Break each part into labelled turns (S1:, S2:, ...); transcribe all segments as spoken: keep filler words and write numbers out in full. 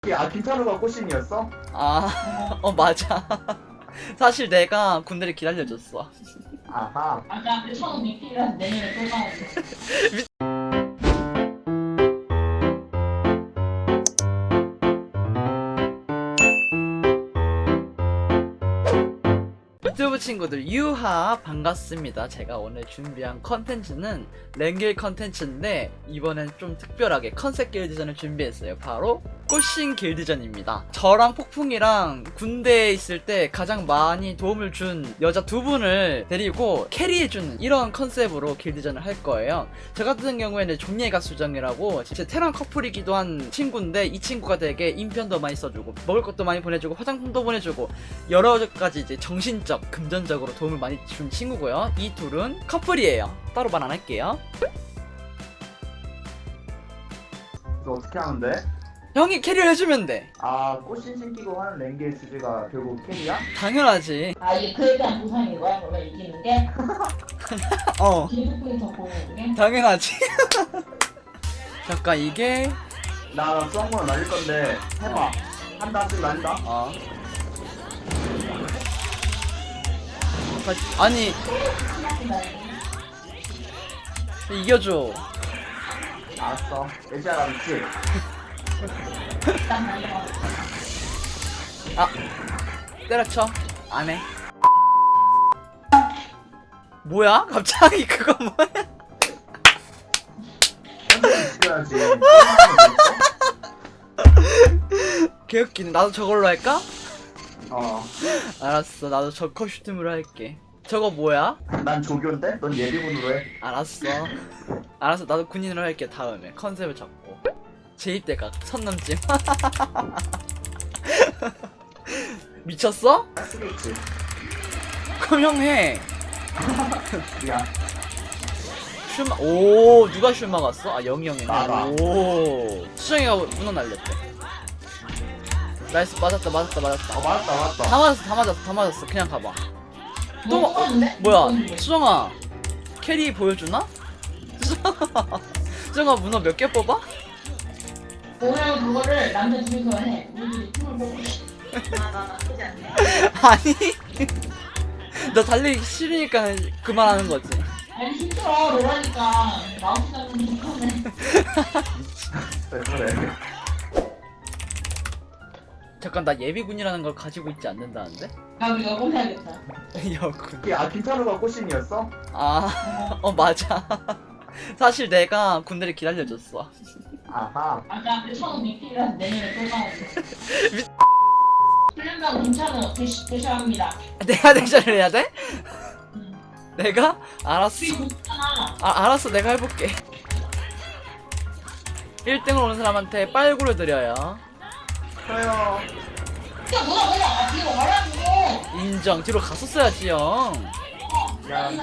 S1: 아, 김찬우가 꽃신이었어?
S2: 아, 어 맞아. 사실 내가 군대를 기다려줬어.
S1: 아하.
S3: 아까 그 천우 미끼라서 내년에 또 가야 돼.
S2: 유튜브 친구들 유하 반갑습니다. 제가 오늘 준비한 컨텐츠는 랭길 컨텐츠인데 이번엔 좀 특별하게 컨셉 길드전을 준비했어요. 바로 꽃신 길드전입니다. 저랑 폭풍이랑 군대에 있을 때 가장 많이 도움을 준 여자 두 분을 데리고 캐리해주는 이런 컨셉으로 길드전을 할 거예요. 저 같은 경우에는 종예가 수정이라고 제 테란 커플이기도 한 친구인데 이 친구가 되게 인편도 많이 써주고 먹을 것도 많이 보내주고 화장품도 보내주고 여러 가지 이제 정신적 금전적으로 도움을 많이 준 친구고요. 이 둘은 커플이에요. 따로 말 안 할게요.
S1: 이거 어떻게 하는데?
S2: 형이 캐리를 해주면 돼.
S1: 아, 꽃신 신기고 하는 랭게의 주제가 결국 캐리야?
S2: 당연하지.
S3: 아 이게 그에 대한 보상인 거야? 그러면 이기는 게?
S2: 어
S3: 기득권이 더 보이는 게?
S2: 당연하지. 잠깐 이게
S1: 나 수학문을 날릴 건데 해봐. 한다, 씩 날린다.
S2: 어 아니 이겨줘.
S1: 알았어. 예지아가 있지?
S3: 딱 날려.
S2: 아 때려쳐. 안해. 뭐야? 갑자기 그거 뭐야?
S1: 현재 지켜야지.
S2: 개웃기네. 나도 저걸로 할까?
S1: 어.
S2: 알았어. 나도 저 커스튬으로 할게. 저거 뭐야?
S1: 난 조교인데? 넌 예비군으로 해.
S2: 알았어. 알았어. 나도 군인으로 할게. 다음에 컨셉을 잡고 제입대각 선남찜. 미쳤어?
S1: 할 수도 있지.
S2: 그럼 형 해.
S1: 야,
S2: 슈마. 오 누가 슈마 갔어? 아 영이 형이네.
S1: 나가.
S2: 오 수정이가 문어 날렸대. 나이스. 맞았다 맞았다 맞았다.
S1: 어, 맞았다, 맞았다.
S2: 다 맞았어 다 맞았어 다 맞았어. 그냥 가봐. 또
S3: 뭐 뽑았는데?
S2: 뭐야 수정아 캐리 보여주나? 수정아 문어 몇 개 뽑아?
S3: 오늘 그거를 남자 둘이서 해. 우리들이 팀을 뽑고. 아나 나쁘지 않네.
S2: 아니 너 달리기 싫으니까 그만하는 거지.
S3: 아니 힘들어 놀라니까 마우스 잡는 게 편해.
S1: 왜 그래?
S2: 잠깐 나 예비군이라는 걸 가지고 있지 않는다는데?
S3: 나도 여권 해야겠다.
S2: 여군.
S1: 아, 김찬우가 꽃신이었어?
S2: 아어 맞아. 사실 내가 군대를 기다려줬어.
S1: 아하.
S3: 아까 그 천우 미끼라서 내년에 또 가야 돼. 훈련병 김찬우 대시 대시합니다.
S2: 내가 대전을 해야 돼?
S3: 응.
S2: 내가? 알았어.
S3: 우리 못잖아.
S2: 아 알았어 내가 해볼게. 일 등을 오는 사람한테 빨구를 드려요.
S1: 저요.
S3: 야 뭐야 뭐야 아 뒤로 가라고.
S2: 인정. 뒤로 갔었어야지 형.
S1: 야,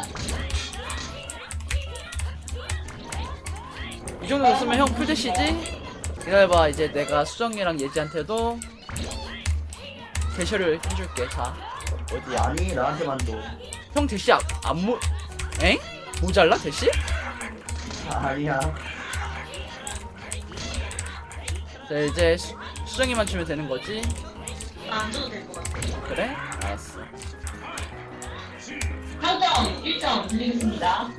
S2: 이 정도 됐으면 형 풀대시지? 기다려봐. 이제 내가 수정이랑 예지한테도 대시를 해줄게. 자 어디야?
S1: 아니, 나한테만 줘.
S2: 형 대시 안, 안 모... 엥? 모자라 대시?
S1: 아니야.
S2: 자 이제 수, 수정이만 주면 되는 거지?
S3: 안 줘도 될 것 같아.
S2: 그래? 알았어.
S3: 상점 일 점 드리겠습니다.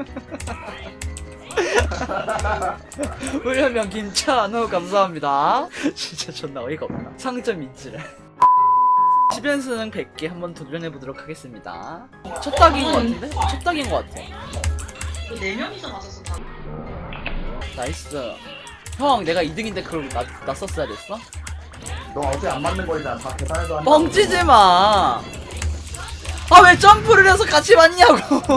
S2: 훈련병 김찬우 감사합니다. 진짜 존나 어이가 없다. 상점 인지를. 십 연승 백 개 한번 도전해보도록 하겠습니다. 첫 딱인 것 같은데? 첫 딱인 것 같아.
S3: 네 명이서 맞았어 다.
S2: 나이스. 형 내가 이 등인데 그걸 나, 나 썼어야 됐어?
S1: 너 어제 안 맞는 거잖아. 다 계산해서 한다.
S2: 뻥치지 마. 아 왜 점프를 해서 같이 맞냐고.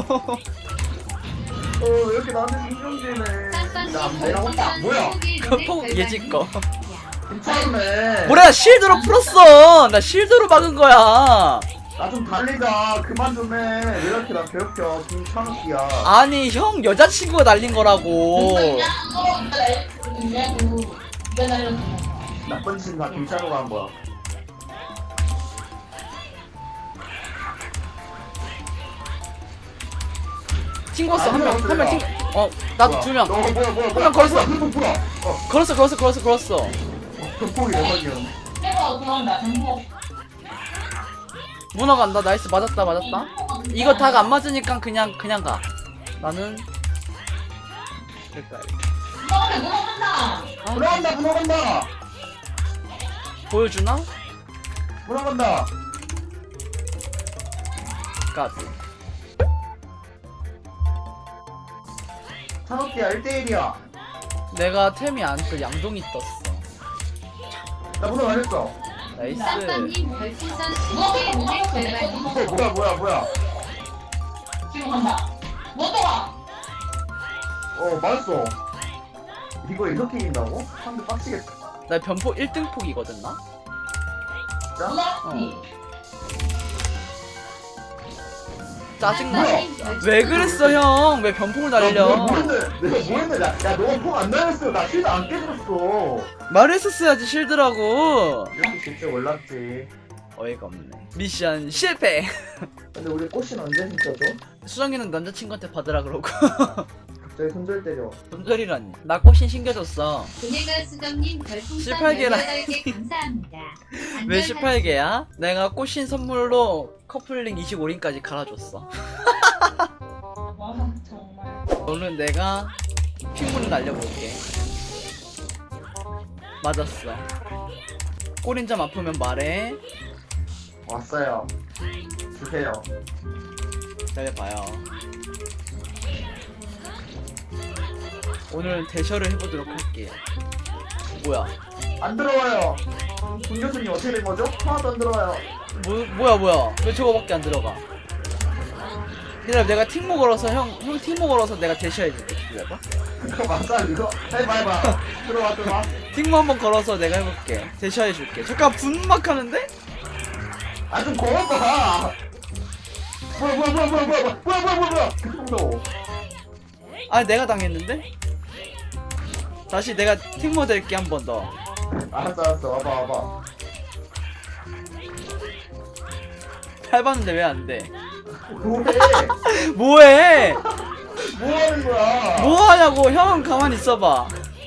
S1: 어, 왜 이렇게 나한테 신경질네. 나 내가 혼자 뭐야?
S2: 폭 예지 거.
S1: 괜찮네.
S2: 뭐야 실드로 풀었어. 나 실드로 막은 거야.
S1: 나 좀 달리자. 그만 좀 해. 왜 이렇게 나 괴롭혀? 김찬욱이야.
S2: 아니 형 여자친구가 날린 거라고.
S3: 있냐고. 이거 날렸어.
S1: 나쁜 짓은 다 김찬우가 한 거야.
S2: 튕겼어. 한 명
S1: 아니야,
S2: 한 명
S1: 그래요.
S2: 튕. 어 나도 두 명.
S1: 너 뭐야 뭐야
S2: 명 걸었어.
S1: 풀어 풀어. 어.
S2: 걸었어 걸었어 걸었어 걸었어.
S1: 전폭이 레전이었네.
S3: 해봐 들어간다. 전부.
S2: 문어 간다. 나이스. 맞았다 맞았다. 이거 닭 안 맞으니까 그냥 그냥 가. 나는 그럴까.
S3: 너한테 물어본다.
S2: 아,
S1: 물어간다 물어간다
S2: 보여주나?
S1: 물어간다.
S2: 까비.
S1: 산업기야 일 대 일이야.
S2: 내가 템이 안 떠. 양동이 떴어.
S1: 나 물어 가겠어.
S2: 나이스.
S4: 쌈쌈님 별풍선
S3: 너한테 못
S4: 스무 개
S3: 들었어.
S4: 제발
S1: 어, 뭐야 뭐야 뭐야.
S3: 지금 간다. 못 들어가.
S1: 어 맞았어. 이거 이렇게 이긴다고? 상대 빡치겠다.
S2: 나 변폭 일 등 폭이거든 나.
S1: 진짜?
S3: 누나지.
S2: 짜증나.
S1: 뭐야?
S2: 왜 그랬어 형? 왜 변폭을
S1: 내가
S2: 날려?
S1: 뭐 했는데 내가 뭐 했는데 야, 야 너가 폭안 날렸어. 나 실드 안 깨졌어.
S2: 말했었어야지 실드라고.
S1: 이렇게 진짜 몰랐지.
S2: 어이가 없네. 미션 실패.
S1: 근데 우리 꽃신 언제 진짜죠?
S2: 수정이는 남자친구한테 받으라 그러고.
S1: 갑자기 손절 때려.
S2: 손절이라니. 나 꽃신 신겨줬어.
S4: 그네가 수정님 별풍선
S2: 십팔 개라.
S4: 열여덟 개 감사합니다.
S2: 왜 십팔 개야? 내가 꽃신 선물로 커플링 이십오 링까지 갈아줬어.
S3: 와 정말.
S2: 오늘 내가 핑문을 날려볼게. 맞았어. 꼬린점 아프면 말해.
S1: 왔어요. 주세요.
S2: 기다려봐요. 오늘 대셔를 해보도록 할게요. 뭐야?
S1: 안 들어와요. 문 교수님 어떻게 된 거죠? 하나도 안 들어와요.
S2: 뭐, 뭐야 뭐야? 왜 저거밖에 안 들어가? 기다려, 내가 팀모 걸어서 형, 형 팀모 걸어서 내가 대셔해줄게. 기다려봐.
S1: 이거 맞아 이거? 해봐 해봐. 들어와 들어와.
S2: 팀모 한번 걸어서 내가 해볼게. 대셔해줄게. 잠깐 분막 하는데?
S1: 아 좀 걸어봐. 뭐야 뭐야 뭐야 뭐야 뭐야 뭐야 뭐야 뭐야 뭐야. 무서워.
S2: 아, 내가 당했는데? 다시 내가 팀모 될게 한 번 더.
S1: 알았어 알았어 와봐 와봐.
S2: 해봤는데 왜 안 돼?
S1: 뭐해?
S2: 뭐해?
S1: 뭐 하는 거야?
S2: 뭐 하냐고? 형 가만히 있어봐.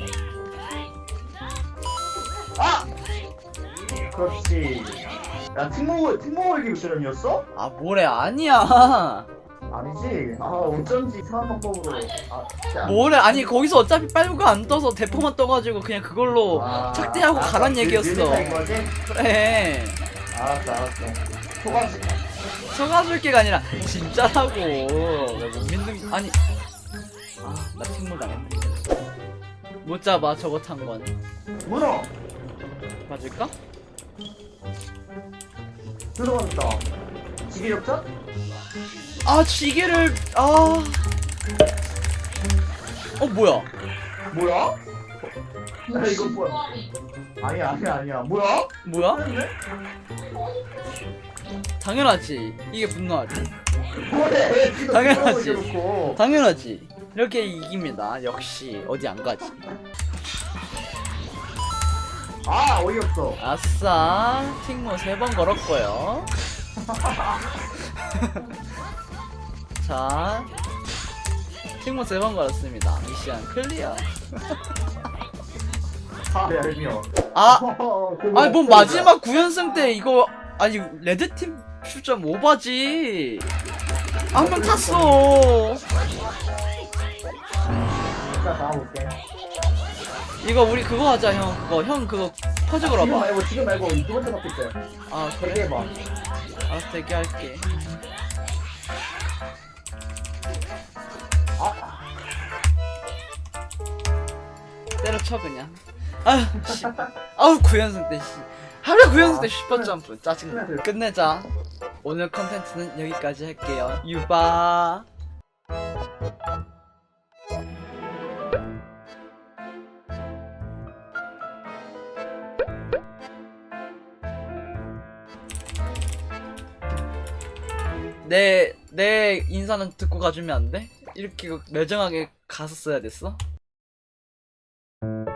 S1: 아! 그렇지. 야 팀모 팀모 걸기 미션이었어?
S2: 아, 뭐래? 아니야.
S1: 아니지. 아 어쩐지 이상한 방법으로. 아 진짜 안-
S2: 뭐래? 아니 거기서 어차피 빨구가 안 떠서 대포만 떠가지고 그냥 그걸로
S1: 아,
S2: 착대하고
S1: 알았어.
S2: 가란
S1: 느-
S2: 얘기였어.
S1: 느릿한 거지?
S2: 그래.
S1: 알았어 알았어. 소가지.
S2: 속아줄게가 아니라 진짜라고. 왜 못 믿는? 아니. 아, 나 팀몰 당했네. 못 잡아 저거 탄 건.
S1: 문어
S2: 맞을까?
S1: 들어갔다. 지기력자?
S2: 아, 지게를 아. 어, 뭐야?
S1: 뭐야? 야 이거 뭐야? 아니야 아니야 아니야. 뭐야?
S2: 뭐야?
S1: 했네?
S2: 당연하지. 이게 분노하지.
S1: 뭐해? 지금
S2: 당연하지.
S1: 들어오고 이러놓고.
S2: 당연하지. 이렇게 이깁니다. 역시 어디 안 가지.
S1: 아 어이없어.
S2: 아싸. 팅모 세 번 걸었고요. 자, 팅모 세 번 걸었습니다. 미션 클리어.
S1: 아 얄미워.
S2: 아,
S1: 어,
S2: 아니 뭔 마지막 구 연승 때 이거 아니 레드팀 출점 오바지. 한 명 탔어.
S1: 진짜 나와볼게.
S2: 이거 우리 그거 하자 형. 그거 형 그거 퍼즐
S1: 지금
S2: 걸어봐.
S1: 말고 지금 말고 두 번째 바뀔 때.
S2: 아
S1: 되게
S2: 그래?
S1: 해봐.
S2: 알았어 대기할게.
S1: 아
S2: 때려쳐 그냥. 아휴 씨. 아우 구 연승 때 씨. 하루에 구 연승 때 슈퍼 점프 짜증나. 끝내자. 오늘 컨텐츠는 여기까지 할게요. 유바. 내, 내 인사는 듣고 가주면 안 돼? 이렇게 매정하게 가서 써야 됐어?